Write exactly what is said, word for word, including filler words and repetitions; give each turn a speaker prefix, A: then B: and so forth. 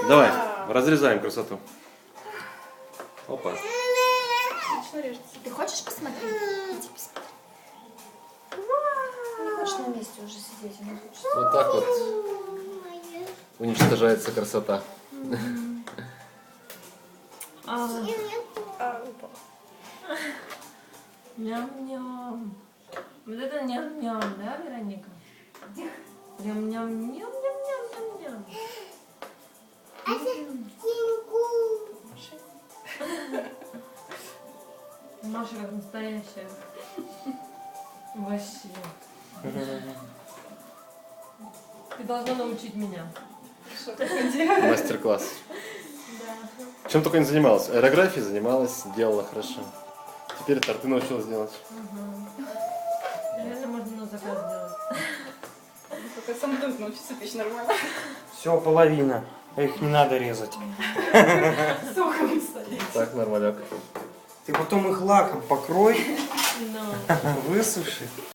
A: Давай, разрезаем красоту. Опа.
B: Ты хочешь посмотреть? Иди посмотри. Не хочешь на месте уже сидеть, не хочешь.
A: Вот так вот уничтожается красота.
C: А, Ням-ням. Вот это ням-ням, да, Вероника? Ням-ням-ням-ням-ням-ням. Маша как настоящая. Вообще. Ты должна научить меня.
A: Мастер-класс. Чем только не занималась. Аэрографией занималась, делала хорошо. Теперь торты научилась делать.
C: Реально можно на заказ делать.
D: Только сам должен научиться печь нормально.
E: Все, половина. Их не надо резать.
D: Сухо стоит.
A: Так, нормаляк.
E: Ты потом их лаком покрой,
C: Но.
E: высуши.